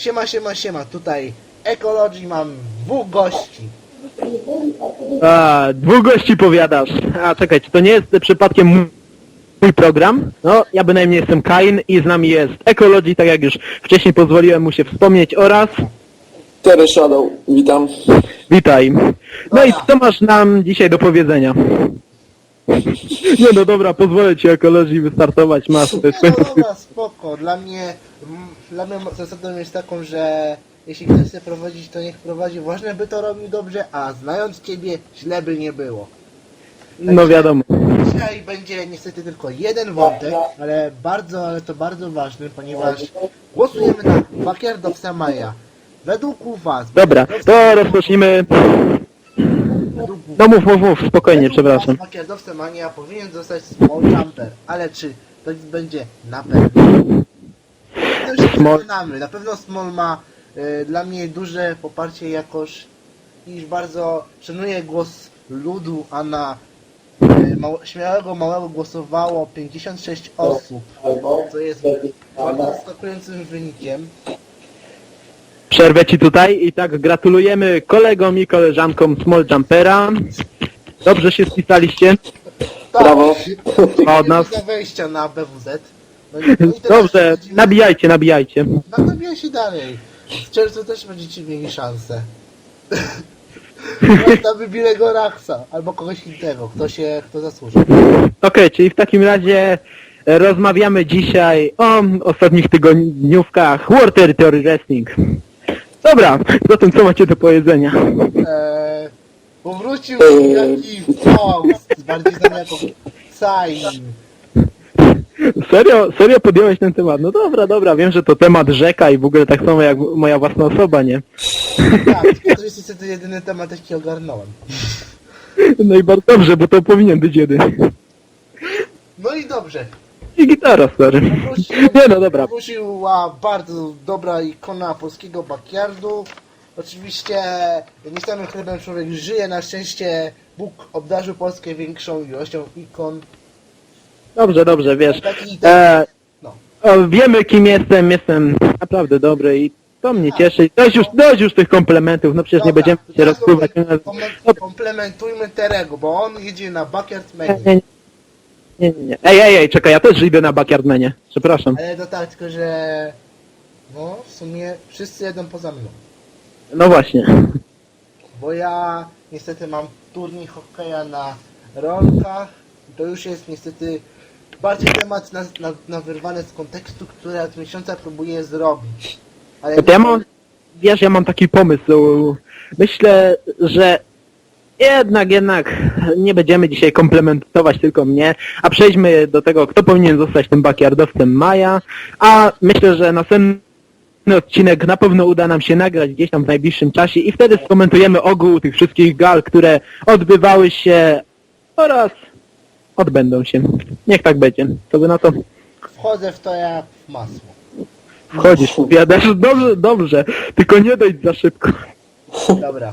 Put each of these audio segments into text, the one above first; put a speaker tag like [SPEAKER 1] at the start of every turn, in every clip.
[SPEAKER 1] Siema, tutaj Ecology, mam dwóch gości.
[SPEAKER 2] A, dwóch gości powiadasz. A czekaj, czy to nie jest przypadkiem mój program? No, ja bynajmniej jestem Kain i z nami jest Ecology, tak jak już wcześniej pozwoliłem mu się wspomnieć, oraz...
[SPEAKER 3] Terry Shadow, witam.
[SPEAKER 2] Witaj. No i co masz nam dzisiaj do powiedzenia? Nie no dobra, pozwolę ci Ecology wystartować, masz to jest
[SPEAKER 1] No dobra, spoko. Dla mnie zasadą jest taką, że jeśli ktoś chce prowadzić, to niech prowadzi. Ważne, by to robił dobrze, a znając ciebie, źle by nie było.
[SPEAKER 2] No wiadomo.
[SPEAKER 1] Dzisiaj będzie niestety tylko jeden wątek, ale to bardzo ważny, ponieważ głosujemy na Backyardowca Maja. Według was...
[SPEAKER 2] Dobra, to rozpocznijmy. No mów, spokojnie, przepraszam.
[SPEAKER 1] Backyardowca Mania powinien zostać Small Jumper, ale czy to będzie na pewno? To już się przekonamy. Na pewno Small ma dla mnie duże poparcie, jakoż iż bardzo szanuję głos ludu, a na śmiałego małego głosowało 56 osób, co jest bardzo zaskakującym wynikiem.
[SPEAKER 2] Przerwę ci tutaj i tak gratulujemy kolegom i koleżankom Small Jumpera. Dobrze się spisaliście.
[SPEAKER 1] Tak,
[SPEAKER 3] Brawo.
[SPEAKER 2] Od nas.
[SPEAKER 1] za wejścia na BWZ. No i teraz
[SPEAKER 2] Dobrze, nabijajcie.
[SPEAKER 1] No nabijaj się dalej. W czerwcu też będziecie mieli szansę. Na wybilego Raxa, albo kogoś innego, kto zasłuży.
[SPEAKER 2] Okej, czyli w takim razie rozmawiamy dzisiaj o ostatnich tygodniówkach War Territory Wrestling. Dobra, zatem co macie do powiedzenia?
[SPEAKER 1] Powrócił jakiś Fox, bardziej znany jako Sain.
[SPEAKER 2] Serio podjąłeś ten temat? No dobra, wiem, że to temat rzeka i w ogóle tak samo jak moja własna osoba, nie?
[SPEAKER 1] Tak, to jest niestety jedyny temat, jaki ogarnąłem.
[SPEAKER 2] No i bardzo dobrze, bo to powinien być jedyny.
[SPEAKER 1] No i dobrze.
[SPEAKER 2] I gitara, stary. Nie no, dobra.
[SPEAKER 1] Powróciła bardzo dobra ikona polskiego backyardu. Oczywiście nie samym chlebem człowiek żyje, na szczęście Bóg obdarzył Polskę większą ilością ikon.
[SPEAKER 2] Dobrze, wiesz.
[SPEAKER 1] No.
[SPEAKER 2] Wiemy kim jestem naprawdę dobry i to mnie cieszy. Dość już tych komplementów, no przecież nie będziemy się rozpływać.
[SPEAKER 1] Komplementujmy Terego, bo on jedzie na Backyard Mania.
[SPEAKER 2] Nie. Ej, czekaj, ja też idę na Backyardmanie. Przepraszam.
[SPEAKER 1] Ale to tak, tylko że... No, w sumie wszyscy jedą poza mną.
[SPEAKER 2] No właśnie.
[SPEAKER 1] Bo ja niestety mam turniej hokeja na rolkach. To już jest niestety bardziej temat na wyrwane z kontekstu, który od miesiąca próbuję zrobić. Ale
[SPEAKER 2] To ja mam taki pomysł. Myślę, że jednak nie będziemy dzisiaj komplementować tylko mnie, a przejdźmy do tego, kto powinien zostać tym backyardowcem Maja, a myślę, że następny odcinek na pewno uda nam się nagrać gdzieś tam w najbliższym czasie i wtedy skomentujemy ogół tych wszystkich gal, które odbywały się oraz odbędą się. Niech tak będzie. Co by na to?
[SPEAKER 1] wchodzę w to jak w masło.
[SPEAKER 2] Wchodzisz, powiadasz, dobrze, tylko nie dojdź za szybko.
[SPEAKER 1] Dobra.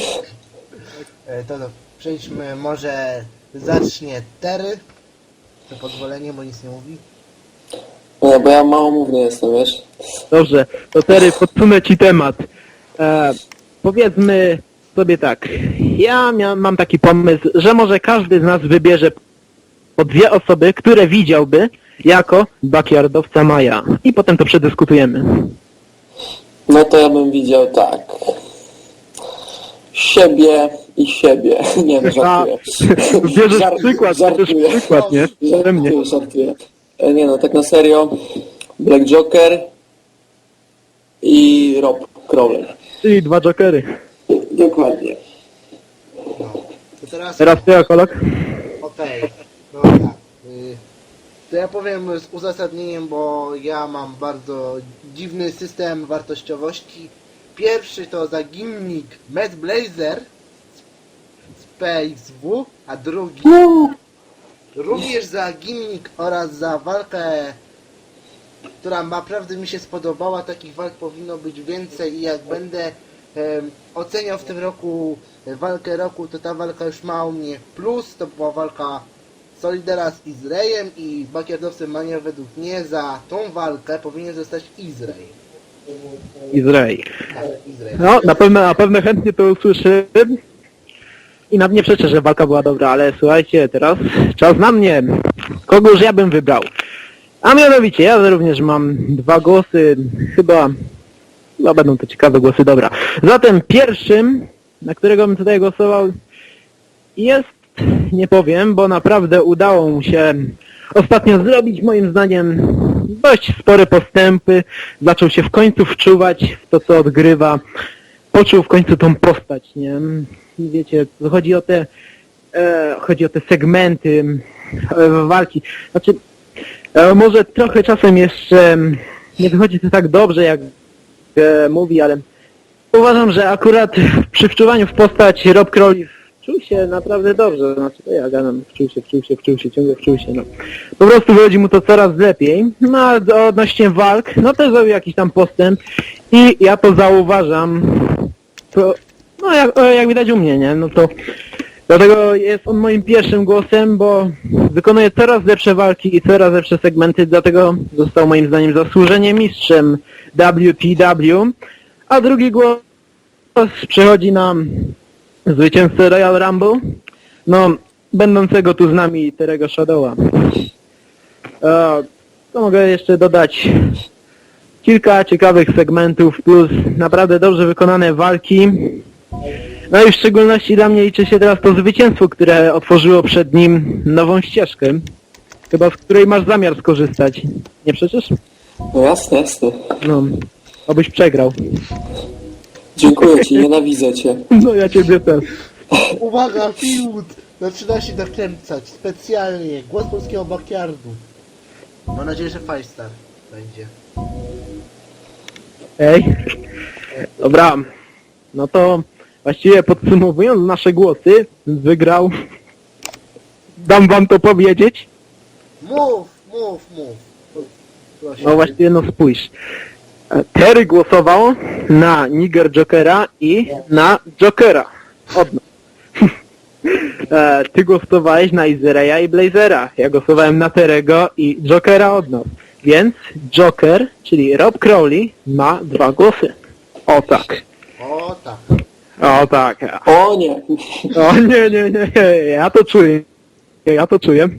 [SPEAKER 1] To przejdźmy, może zacznie Tery. To pozwolenie, bo nic nie mówi.
[SPEAKER 3] Nie, bo ja małomówny jestem, wiesz?
[SPEAKER 2] Dobrze, to Terry, podsunę ci temat. Powiedzmy sobie tak, mam taki pomysł, że może każdy z nas wybierze po dwie osoby, które widziałby jako backyardowca Maja. I potem to przedyskutujemy.
[SPEAKER 3] No to ja bym widział tak. Siebie i siebie. Nie no, żartuję.
[SPEAKER 2] Bierzesz przykład, nie? Ode mnie.
[SPEAKER 3] Żartuję. Nie no, tak na serio. Black Joker i Rob Crowley.
[SPEAKER 2] Czyli dwa jokery.
[SPEAKER 3] Dokładnie.
[SPEAKER 1] No. To
[SPEAKER 2] Teraz ty, Ekolog?
[SPEAKER 1] Okej. No tak. To ja powiem z uzasadnieniem, bo ja mam bardzo dziwny system wartościowości. Pierwszy to zaginnik Matt Blazer z PXW, a drugi również za gimnik oraz za walkę, która naprawdę mi się spodobała. Takich walk powinno być więcej i jak będę oceniał w tym roku walkę roku, to ta walka już ma u mnie plus. To była walka Solidera z Izraelem i backyardowcem Mania według mnie za tą walkę powinien zostać Izrael.
[SPEAKER 2] Izrael.
[SPEAKER 1] Tak, Izrael.
[SPEAKER 2] No, na pewno chętnie to usłyszę. I nawet nie przeczę, że walka była dobra, ale słuchajcie, teraz czas na mnie. Kogoż ja bym wybrał? A mianowicie, ja również mam 2 głosy, chyba będą to ciekawe głosy, dobra. Zatem pierwszym, na którego bym tutaj głosował, jest, nie powiem, bo naprawdę udało mu się ostatnio zrobić, moim zdaniem, dość spore postępy. Zaczął się w końcu wczuwać w to, co odgrywa. Poczuł w końcu tą postać, nie? I wiecie, chodzi o te segmenty walki. Znaczy, może trochę czasem jeszcze nie wychodzi to tak dobrze, jak mówi, ale uważam, że akurat przy wczuwaniu w postać Rob Crowley wczuł się naprawdę dobrze. Znaczy, to ja gadam, ciągle wczuł się, no. Po prostu wychodzi mu to coraz lepiej. No, a odnośnie walk, no też zrobił jakiś tam postęp i ja to zauważam. To, no, jak widać u mnie, nie? No to dlatego jest on moim pierwszym głosem, bo wykonuje coraz lepsze walki i coraz lepsze segmenty, dlatego został moim zdaniem zasłużenie mistrzem WPW, a drugi głos przechodzi na zwycięzcę Royal Rumble, no, będącego tu z nami Terry'ego Shadowa. To mogę jeszcze dodać kilka ciekawych segmentów, plus naprawdę dobrze wykonane walki. No i w szczególności dla mnie liczy się teraz to zwycięstwo, które otworzyło przed nim nową ścieżkę, chyba z której masz zamiar skorzystać. Nie przeczysz?
[SPEAKER 3] No jasne, jasne.
[SPEAKER 2] No, obyś przegrał.
[SPEAKER 3] Dziękuję ci, nienawidzę cię.
[SPEAKER 2] No ja ciebie też.
[SPEAKER 1] Uwaga, fiut! Zaczyna się nakręcać specjalnie. Głos polskiego backyardu. Mam nadzieję, że Firestar będzie.
[SPEAKER 2] Ej. Dobra. No to właściwie podsumowując nasze głosy, wygrał. Dam wam to powiedzieć.
[SPEAKER 1] Mów! Proszę.
[SPEAKER 2] No właściwie no spójrz. Terry głosował na Niger Jokera i na Jokera. Od nas. Ty głosowałeś na Izreya i Blazera. Ja głosowałem na Terego i Jokera od nas. Więc Joker, czyli Rob Crowley, ma 2 głosy. O tak.
[SPEAKER 1] O tak.
[SPEAKER 2] O tak.
[SPEAKER 3] O nie.
[SPEAKER 2] O nie. Ja to czuję.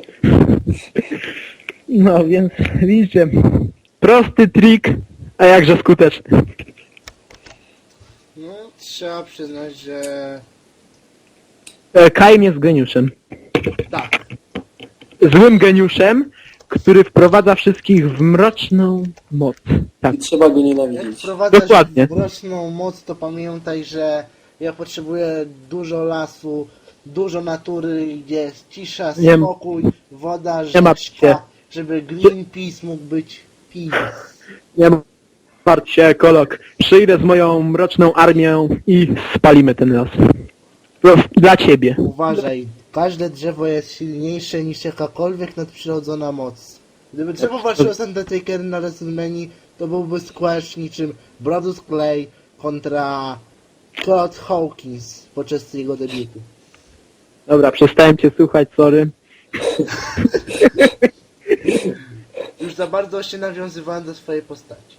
[SPEAKER 2] No więc widzicie. Prosty trik, a jakże skuteczny.
[SPEAKER 1] No, trzeba przyznać, że
[SPEAKER 2] Kaim jest geniuszem.
[SPEAKER 1] tak.
[SPEAKER 2] Złym geniuszem, który wprowadza wszystkich w mroczną moc. Tak.
[SPEAKER 3] I trzeba go
[SPEAKER 1] Jak
[SPEAKER 3] nienawidzić.
[SPEAKER 1] wprowadzasz
[SPEAKER 2] Dokładnie.
[SPEAKER 1] mroczną moc, to pamiętaj, że ja potrzebuję dużo lasu, dużo natury, gdzie jest cisza,
[SPEAKER 2] Nie-
[SPEAKER 1] spokój, woda,
[SPEAKER 2] nie martw się.
[SPEAKER 1] rzeczka, żeby Greenpeace mógł być peace.
[SPEAKER 2] Nie martw się, Kolok. Przyjdę z moją mroczną armią i spalimy ten las. Dla ciebie.
[SPEAKER 1] Uważaj, każde drzewo jest silniejsze niż jakakolwiek nadprzyrodzona moc. Gdyby drzewo walczyło z Undertakerem na WrestleMania, to byłby squash niczym Brodus Clay kontra Kurt Hawkins podczas jego debiutu.
[SPEAKER 2] Dobra, przestałem cię słuchać, sorry.
[SPEAKER 1] Już za bardzo się nawiązywałem do swojej postaci.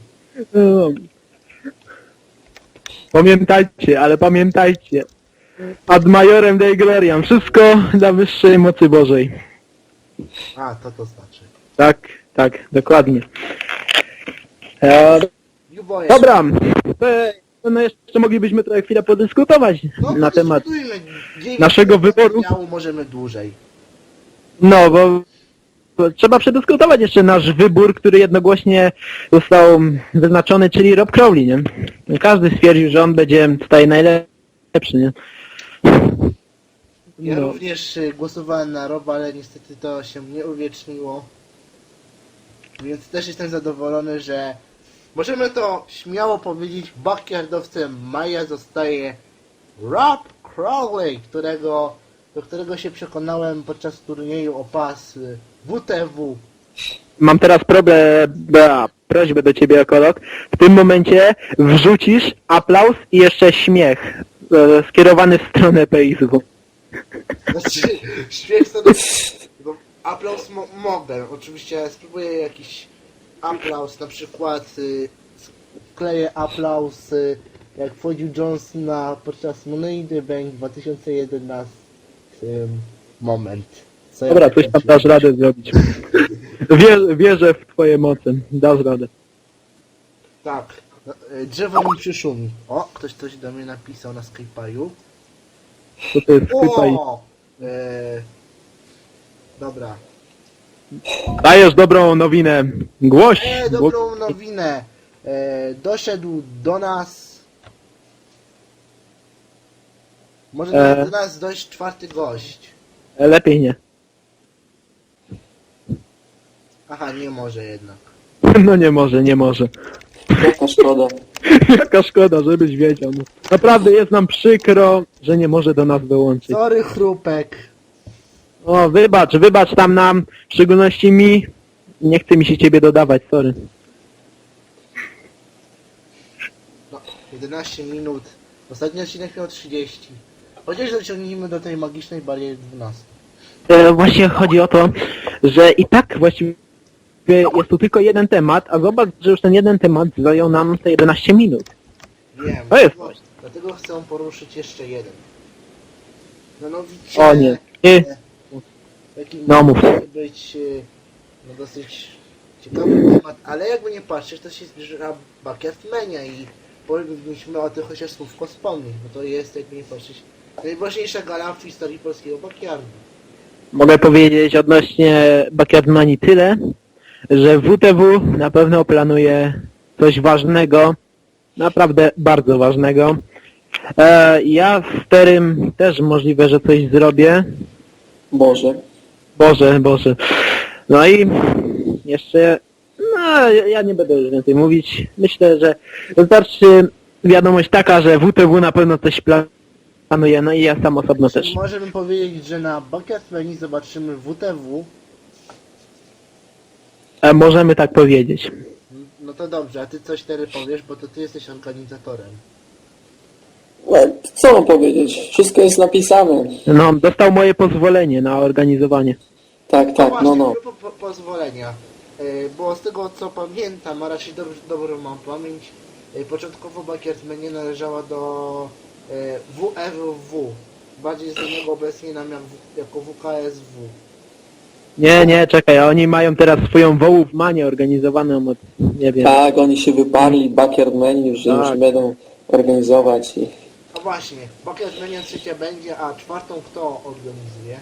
[SPEAKER 2] Pamiętajcie. Ad majorem Dei Gloriam. Wszystko dla wyższej mocy Bożej.
[SPEAKER 1] A, to znaczy.
[SPEAKER 2] Tak, dokładnie.
[SPEAKER 1] Juboje.
[SPEAKER 2] Dobra, to no jeszcze moglibyśmy trochę chwilę podyskutować
[SPEAKER 1] No,
[SPEAKER 2] na temat
[SPEAKER 1] podyskutujmy. 9
[SPEAKER 2] naszego wyboru.
[SPEAKER 1] materiału możemy dłużej.
[SPEAKER 2] No, bo trzeba przedyskutować jeszcze nasz wybór, który jednogłośnie został wyznaczony, czyli Rob Crowley, nie? Każdy stwierdził, że on będzie tutaj najlepszy, nie?
[SPEAKER 1] Ja
[SPEAKER 2] No.
[SPEAKER 1] również głosowałem na Roba, ale niestety to się nie uwieczniło. Więc też jestem zadowolony, że możemy to śmiało powiedzieć, backyardowcem maja zostaje Rob Crowley, do którego się przekonałem podczas turnieju o pas WTW.
[SPEAKER 2] Mam teraz prośbę do ciebie, Ekolog. W tym momencie wrzucisz aplauz i jeszcze śmiech skierowany w stronę PSW.
[SPEAKER 1] Znaczy, śmiech to... No, aplauz mogę. Oczywiście spróbuję jakiś aplauz, na przykład wkleję aplauz, jak wchodził Jones podczas Money in the Bank 2011 moment. Co ja
[SPEAKER 2] Dobra, coś tam
[SPEAKER 1] wykręciłem.
[SPEAKER 2] dasz radę zrobić. Wierzę w twoje moce. Dasz radę.
[SPEAKER 1] Tak, drzewo mi przyszumi. O, ktoś coś do mnie napisał na Skype'aju.
[SPEAKER 2] To to jest chyba i...
[SPEAKER 1] O! Dobra.
[SPEAKER 2] Dajesz dobrą nowinę. Głoś!
[SPEAKER 1] Dobrą nowinę. Doszedł do nas... Może
[SPEAKER 2] E.
[SPEAKER 1] do nas dojść czwarty gość.
[SPEAKER 2] Lepiej nie.
[SPEAKER 1] Aha, nie może jednak.
[SPEAKER 2] No nie może, nie może.
[SPEAKER 3] Jaka szkoda.
[SPEAKER 2] Jaka szkoda, żebyś wiedział. No. Naprawdę jest nam przykro, że nie może do nas dołączyć.
[SPEAKER 1] Sorry, chrupek.
[SPEAKER 2] O, wybacz tam nam, w szczególności mi. Nie chce mi się ciebie dodawać, sorry.
[SPEAKER 1] No, 11 minut. Ostatni odcinek miał 30. Chociaż dociągnijmy do tej magicznej bariery 12.
[SPEAKER 2] Właśnie chodzi o to, że i tak właściwie jest tu tylko jeden temat, a zobacz, że już ten jeden temat zajął nam te 11 minut.
[SPEAKER 1] Wiem.
[SPEAKER 2] To jest coś.
[SPEAKER 1] Dlatego chcę poruszyć jeszcze jeden. Mianowicie...
[SPEAKER 2] O nie. Nie.
[SPEAKER 1] Taki
[SPEAKER 2] No, mów.
[SPEAKER 1] może być dosyć ciekawy temat, ale jakby nie patrzeć, to się zbliża Backyard Mania i powinniśmy o tym chociaż słówko wspomnieć, bo to jest, jakby nie patrzeć, najważniejsza gala w historii polskiego backyardu.
[SPEAKER 2] Mogę powiedzieć odnośnie Backyard Manii tyle, że WTW na pewno planuje coś ważnego, naprawdę bardzo ważnego. Ja z Terym też możliwe, że coś zrobię.
[SPEAKER 3] Boże.
[SPEAKER 2] Boże. No i jeszcze, no ja nie będę już więcej mówić. Myślę, że wystarczy wiadomość taka, że WTW na pewno coś planuje, no i ja sam osobno też.
[SPEAKER 1] Możemy powiedzieć, że na Backyard Mania zobaczymy WTW.
[SPEAKER 2] Możemy tak powiedzieć.
[SPEAKER 1] No to dobrze, a ty coś teraz powiesz, bo to ty jesteś organizatorem.
[SPEAKER 3] No, co mam powiedzieć? Wszystko jest napisane.
[SPEAKER 2] No, dostał moje pozwolenie na organizowanie.
[SPEAKER 3] Tak,
[SPEAKER 1] Właśnie,
[SPEAKER 3] no.
[SPEAKER 1] pozwolenia. Bo z tego co pamiętam, a raczej dobrą mam pamięć, początkowo Backyard Mania należała do WFW. Bardziej znanego obecnie nam jako WKSW.
[SPEAKER 2] Nie, czekaj, a oni mają teraz swoją Wołów-manię organizowaną od, nie wiem.
[SPEAKER 3] Tak, oni się wyparli, Backyard Menu, że
[SPEAKER 2] Tak.
[SPEAKER 3] już będą organizować i...
[SPEAKER 1] No właśnie, Backyard Mania trzecia będzie, a czwartą kto organizuje?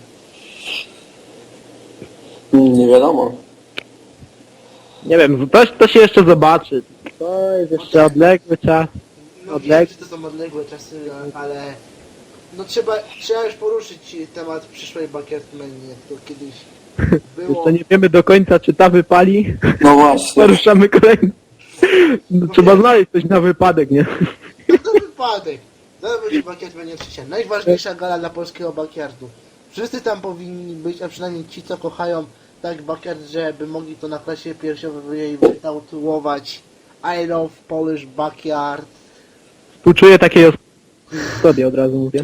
[SPEAKER 3] Nie wiadomo.
[SPEAKER 2] Nie wiem, to się jeszcze zobaczy. To jest jeszcze odległy czas.
[SPEAKER 1] No wiem, że to są odległe czasy, ale no trzeba już poruszyć temat przyszłej Backyard Mania, to kiedyś było...
[SPEAKER 2] Jeszcze nie wiemy do końca, czy ta wypali.
[SPEAKER 3] No właśnie.
[SPEAKER 2] Poruszamy kolejny. No, trzeba znaleźć coś na wypadek, nie?
[SPEAKER 1] No to wypadek. Zaraz będzie Backyard Mania trzecia. Najważniejsza gala dla polskiego backyardu. Wszyscy tam powinni być, a przynajmniej ci, co kochają tak backyard, żeby mogli to na klasie piersiowej wytatuować. I love Polish backyard.
[SPEAKER 2] Współczuję takiej osobie, od razu mówię.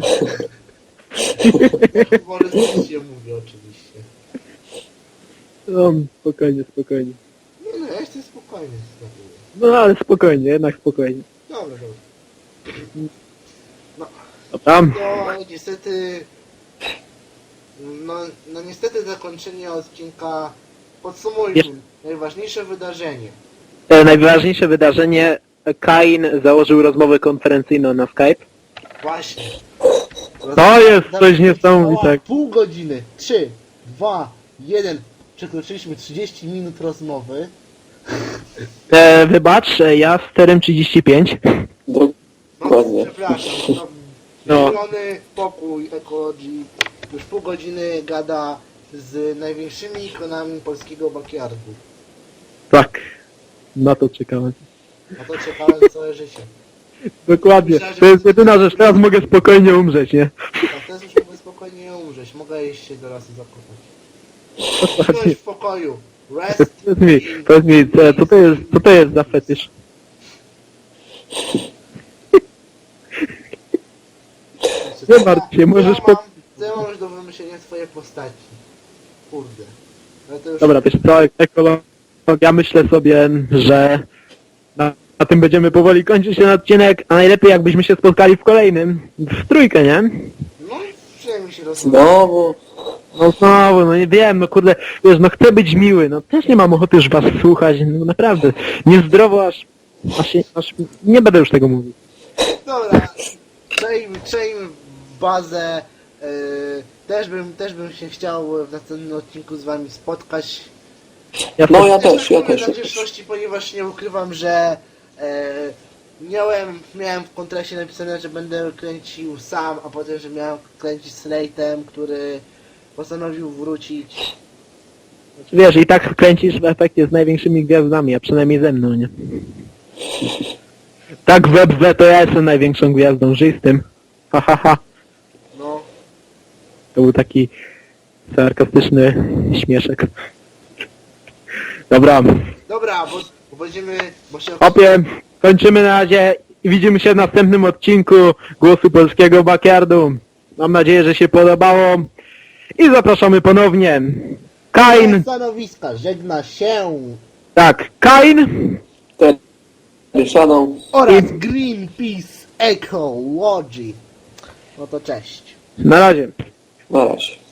[SPEAKER 1] Może coś się mówi oczywiście.
[SPEAKER 2] No, spokojnie.
[SPEAKER 1] No, ja jestem spokojny.
[SPEAKER 2] No, ale spokojnie, jednak spokojnie.
[SPEAKER 1] Dobra.
[SPEAKER 2] Tam.
[SPEAKER 1] No niestety... No niestety zakończenie odcinka podsumujmy. Najważniejsze wydarzenie.
[SPEAKER 2] Najważniejsze wydarzenie, Kain założył rozmowę konferencyjną na Skype.
[SPEAKER 1] Właśnie.
[SPEAKER 2] To jest coś niesamowitego.
[SPEAKER 1] Pół godziny. 3, 2, 1. Przekroczyliśmy 30 minut rozmowy.
[SPEAKER 2] Wybacz, ja z Terem 35.
[SPEAKER 1] No,
[SPEAKER 3] Dokładnie.
[SPEAKER 1] przepraszam.
[SPEAKER 2] No.
[SPEAKER 1] Zielony pokój ekologii już pół godziny gada z największymi ikonami polskiego backyardu.
[SPEAKER 2] Tak. Na to czekałem.
[SPEAKER 1] Na to czekałem całe życie.
[SPEAKER 2] Dokładnie. To jest jedyna rzecz, teraz mogę spokojnie umrzeć, nie?
[SPEAKER 1] Tak, teraz już mogę spokojnie umrzeć. Mogę iść się do lasu zakopać.
[SPEAKER 2] Dokładnie.
[SPEAKER 1] Bądź w pokoju. Rest
[SPEAKER 2] Powiedz mi, co to jest za fetysz? Nie martw się, możesz
[SPEAKER 1] Co ja mam już do wymyślenia twojej postaci? Kurde. Ale to już...
[SPEAKER 2] Dobra, wiesz co, ekologia, myślę sobie, że A tym będziemy powoli kończyć ten odcinek, a najlepiej jakbyśmy się spotkali w kolejnym. W trójkę, nie?
[SPEAKER 1] No, przynajmniej się rozumie.
[SPEAKER 3] Znowu.
[SPEAKER 2] No znowu, no nie wiem, no kurde, wiesz, no chcę być miły, no też nie mam ochoty już was słuchać, no naprawdę. Niezdrowo aż nie będę już tego mówił.
[SPEAKER 1] Dobra, przejdźmy w bazę. Też bym się chciał w następnym odcinku z wami spotkać.
[SPEAKER 3] No ja też.
[SPEAKER 1] Na wdzięczności, ponieważ nie ukrywam, że miałem w kontrakcie napisane, że będę kręcił sam, a potem, że miałem kręcić z Slate'em, który postanowił wrócić.
[SPEAKER 2] Wiesz, i tak kręcisz w efekcie z największymi gwiazdami, a przynajmniej ze mną, nie? Tak we to ja jestem największą gwiazdą, żyj z tym. Ha, ha, ha.
[SPEAKER 1] No,
[SPEAKER 2] To był taki sarkastyczny śmieszek. Dobra,
[SPEAKER 1] dobra, bo będziemy, bo się...
[SPEAKER 2] opie, kończymy na razie i widzimy się w następnym odcinku Głosu Polskiego Backyardu. Mam nadzieję, że się podobało i zapraszamy ponownie. Kain,
[SPEAKER 1] Stanowiska żegna się
[SPEAKER 2] tak, Kain
[SPEAKER 3] Shadow.
[SPEAKER 1] oraz Greenpeace Ecology. No to cześć.
[SPEAKER 2] na razie.
[SPEAKER 3] Na razie.